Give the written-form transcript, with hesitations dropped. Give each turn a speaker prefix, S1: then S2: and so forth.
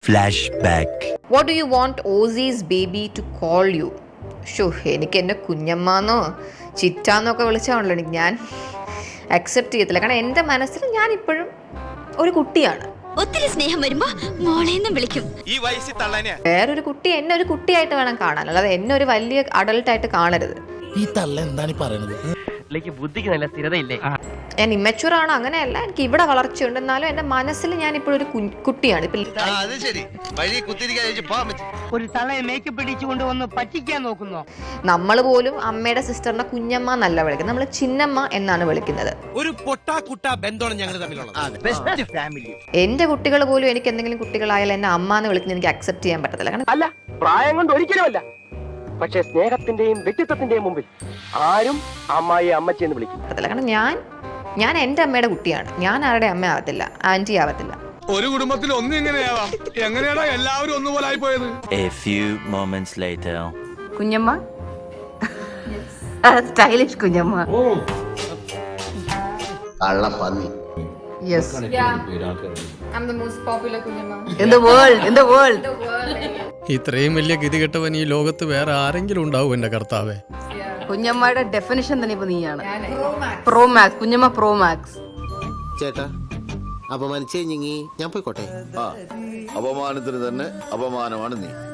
S1: Flashback.
S2: What do you want Ozzy's baby to call you? എനിക്ക് എന്നെ കുഞ്ഞമ്മാന്നോ ചിറ്റാന്നൊക്കെ വിളിച്ചാണല്ലോ ഞാൻ accept ചെയ്യത്തില്ല. കാരണം എൻ്റെ മനസ്സിൽ ഞാൻ ഇപ്പോഴും ഒരു കുട്ടിയാണ്.
S3: ഒത്തിരി സ്നേഹം വരുമ്പോ മോളേന്നും വിളിക്കും.
S4: ഈ വയസ്സിൽ തള്ളനെ
S2: വേറൊരു കുട്ടി എന്നെ ഒരു കുട്ടിയായിട്ട് വേണം കാണാൻ, അല്ലാതെ എന്നെ ഒരു വലിയ അഡൾട്ടായിട്ട് കാണരുത്.
S5: ഈ തള്ള എന്താണ് പറയുന്നത്?
S6: ബുദ്ധിക്ക് നല്ല സ്ഥിരതയില്ലേ?
S2: ഞാൻ ഇമ്മച്യൂർ ആണ്, അങ്ങനെയല്ല. എനിക്ക് ഇവിടെ വളർച്ചയുണ്ട്, എന്നാലും എൻ്റെ മനസ്സിൽ ഞാൻ ഇപ്പോഴും ഒരു കുട്ടിയാണ്.
S6: ഒരു തളയെ മേക്കപ്പ് ഇടിച്ചുകൊണ്ട് വന്ന് പറ്റിക്കാൻ നോക്കുന്നോ?
S2: നമ്മൾ പോലും അമ്മയുടെ സിസ്റ്ററിനെ കുഞ്ഞമ്മ എന്നല്ല വിളിക്കുന്നത്, നമ്മൾ ചിന്നമ്മ എന്നാണ് വിളിക്കുന്നത്.
S4: ഒരു പൊട്ടാ കുട്ടാ ബന്ധമാണ് ഞങ്ങൾ തമ്മിലുള്ളത്.
S6: Best family.
S2: എൻ്റെ കുട്ടികൾ പോലും എനിക്ക് എന്തെങ്കിലും കുട്ടികളായാലും എന്നെ അമ്മ എന്ന് വിളിക്കുന്നത് എനിക്ക് അക്സെപ്റ്റ് ചെയ്യാൻ പറ്റത്തില്ല. കാരണം
S6: അല്ല, പ്രായം കൊണ്ട് ഒരിക്കലുമല്ല. പക്ഷെ സ്നേഹത്തിന്റെയും വ്യക്തിത്വത്തിന്റെയും മുമ്പിൽ ആരും അമ്മായി അമ്മച്ചി എന്ന് വിളിക്കും.
S2: കാരണം ഞാൻ എൻ്റെ അമ്മയുടെ കുട്ടിയാണ്. ഞാൻ ആരുടെ അമ്മ ആവത്തില്ല, ആന്റി ആവത്തില്ല.
S4: ഒരു കുടുംബത്തിൽ ഒന്നും എങ്ങനെയാവാം? എങ്ങനെയാണോ എല്ലാവരും ഒന്നുപോലെ ആയി പോയത്?
S1: A few moments later.
S7: കുഞ്ഞമ്മ, സ്റ്റൈലിഷ് കുഞ്ഞമ്മ. Yes.
S2: I'm the most popular kunjamma
S7: in the world.
S5: ഇത്രയും വലിയ ഗതികെട്ടവൻ ഈ ലോകത്ത് വേറെ ആരെങ്കിലും ഉണ്ടാവും എന്റെ കർത്താവേ?
S7: കുഞ്ഞമ്മയുടെ ഡെഫിനിഷൻ തന്നെ ഇപ്പൊ നീയാണ്. പ്രോ മാക്സ് കുഞ്ഞമ്മ, പ്രോ മാക്സ്.
S8: ചേട്ടാ, അപമാനിച്ചേ ഞാൻ പോയിക്കോട്ടെ.
S9: അപമാനത്തിന് തന്നെ അപമാനമാണ് നീ.